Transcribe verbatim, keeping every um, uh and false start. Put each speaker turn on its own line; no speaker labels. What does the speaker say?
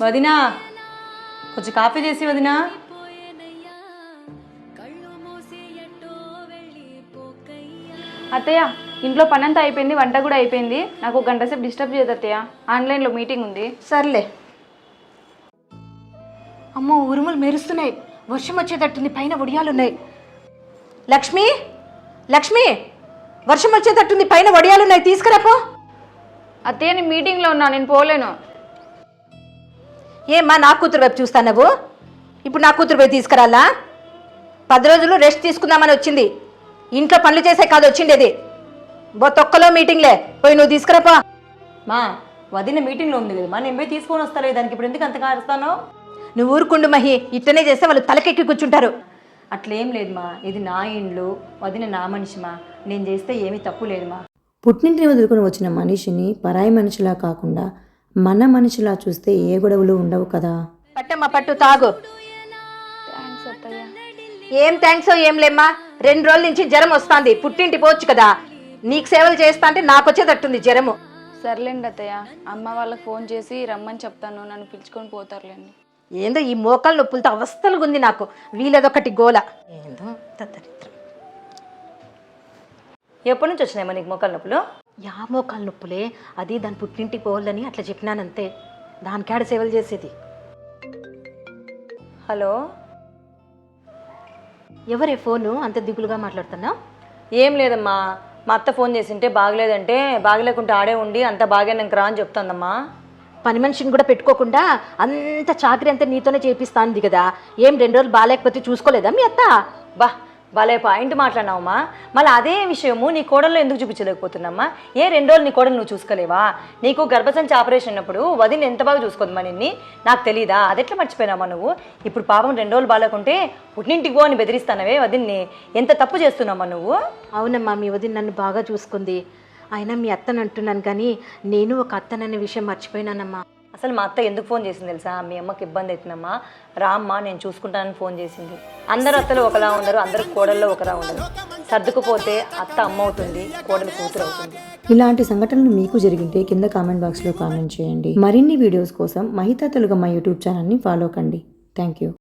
వదినా కొంచెం కాఫీ చేసి వదినా.
అత్తయ్య ఇంట్లో పని అంతా అయిపోయింది, వంట కూడా అయిపోయింది. నాకు ఒక గంట సేపు డిస్టర్బ్ చేయదు అత్తయ్య, ఆన్లైన్లో మీటింగ్ ఉంది.
సర్లే. అమ్మో ఉరుములు మెరుస్తున్నాయి, వర్షం వచ్చేటట్టుంది, పైన వడియాలున్నాయి. లక్ష్మి లక్ష్మి వర్షం వచ్చేటట్టుంది, పైన వడియాలున్నాయి, తీసుకురాపో.
అత్తయ్య నేను మీటింగ్లో ఉన్నా, నేను పోలేను.
ఏమ్మా నా కూతురు వైపు చూస్తావు? ఇప్పుడు నా కూతురు పోయి తీసుకురాలా? పది రోజులు రెస్ట్ తీసుకుందామని వచ్చింది, ఇంట్లో పనులు చేసే కాదు వచ్చిండేది. బో తొక్కలో మీటింగ్లే, పోయి నువ్వు తీసుకురాపో.
మా వదిన మీటింగ్లో ఉంది కదమ్మా, నేను పోయి తీసుకొని వస్తాను. దానికి ఇప్పుడు ఎందుకు అంతగా అరుస్తాను?
నువ్వు ఊరుకుండు మహి, ఇట్టనే చేస్తే వాళ్ళు తలకెక్కి కూర్చుంటారు.
అట్లేం లేదుమా, ఇది నా ఇండ్లు, వదిన నా మనిషిమా, నేను చేస్తే ఏమీ తప్పు లేదుమా.
పుట్టింటిని వదులుకొని వచ్చిన మనిషిని పరాయి మనిషిలా కాకుండా మన మనిషిలా చూస్తే ఏ గొడవలు ఉండవు కదా.
పట్టమ్మా పట్టు, తాగు.
థ్యాంక్స్ అత్తయ్య.
ఏం థ్యాంక్స్ ఏం లేమ్మా, రెండు రోజుల నుంచి జ్వరం వస్తుంది, పుట్టింటి పోవచ్చు కదా. నీకు సేవలు చేస్తా అంటే నాకు వచ్చేటట్టుంది జ్వరము.
సర్లేండి అత్తయ్య, అమ్మ వాళ్ళకి ఫోన్ చేసి రమ్మని చెప్తాను, నన్ను పిలుచుకొని పోతారులేండి.
ఏందో ఈ మోకాలు నొప్పులతో అవస్థలుగా ఉంది నాకు, వీలదొకటి గోల. ఏందో దరిద్రం.
ఎప్పటి నుంచి వచ్చినాయమ్మా నీకు మోకాలు నొప్పులు?
యా మోకాలు నొప్పులే, అది దాని పుట్టింటికి పోవాలని అట్లా చెప్పినానంతే, దానికాడ సేవలు చేసేది.
హలో,
ఎవరే ఫోను అంత దిగులుగా మాట్లాడుతున్నావు?
ఏం లేదమ్మా, మా అత్త ఫోన్ చేసింటే బాగలేదంటే, బాగలేకుంటే ఆడే ఉండి అంత బాగానంక రా అని చెప్తుందమ్మా.
పని మనిషిని కూడా పెట్టుకోకుండా అంత చాకరీ అంతా నీతోనే చేపిస్తాంది కదా, ఏం రెండు రోజులు బాగాలేకపోతే చూసుకోలేదా మీ అత్త?
బా భలే పాయింట్ మాట్లాడినావమ్మా. మళ్ళీ అదే విషయము నీ కోడల్లో ఎందుకు చూపించలేకపోతున్నామ్మా? ఏ రెండు రోజులు నీ కోడలు నువ్వు చూసుకోలేవా? నీకు గర్భసంచి ఆపరేషన్ అయినప్పుడు వదిన ఎంత బాగా చూసుకోదమ్మా నిన్ని, నాకు తెలీదా? అదెట్లా మర్చిపోయినామా నువ్వు? ఇప్పుడు పాపం రెండు రోజులు బాగాలేకుంటే పుట్టింటికి పో అని బెదిరిస్తానవే వదిన్ని, ఎంత తప్పు చేస్తున్నామా నువ్వు?
అవునమ్మా, మీ వదిన నన్ను బాగా చూసుకుంది, అయినా మీ అత్తని అంటున్నాను కానీ నేను ఒక అత్తననే విషయం మర్చిపోయినానమ్మా.
అసలు మా అత్త ఎందుకు ఫోన్ చేసింది తెలుసా? మీ అమ్మకి ఇబ్బంది అవుతుందమ్మా, రామ్మా నేను చూసుకుంటానని ఫోన్ చేసింది. అందరు అత్తలు ఒకలా ఉండరు, అందరు కోడల్లో ఒకలా ఉండరు. సర్దుకుపోతే అత్త అమ్మ అవుతుంది, కోడలు కూతురు అవుతుంది.
ఇలాంటి సంఘటనలు మీకు జరిగింటే కింద కామెంట్ బాక్స్లో కామెంట్ చేయండి. మరిన్ని వీడియోస్ కోసం మహితా తెలుగు మా యూట్యూబ్ ఛానల్ని ఫాలో కండి. Thank you.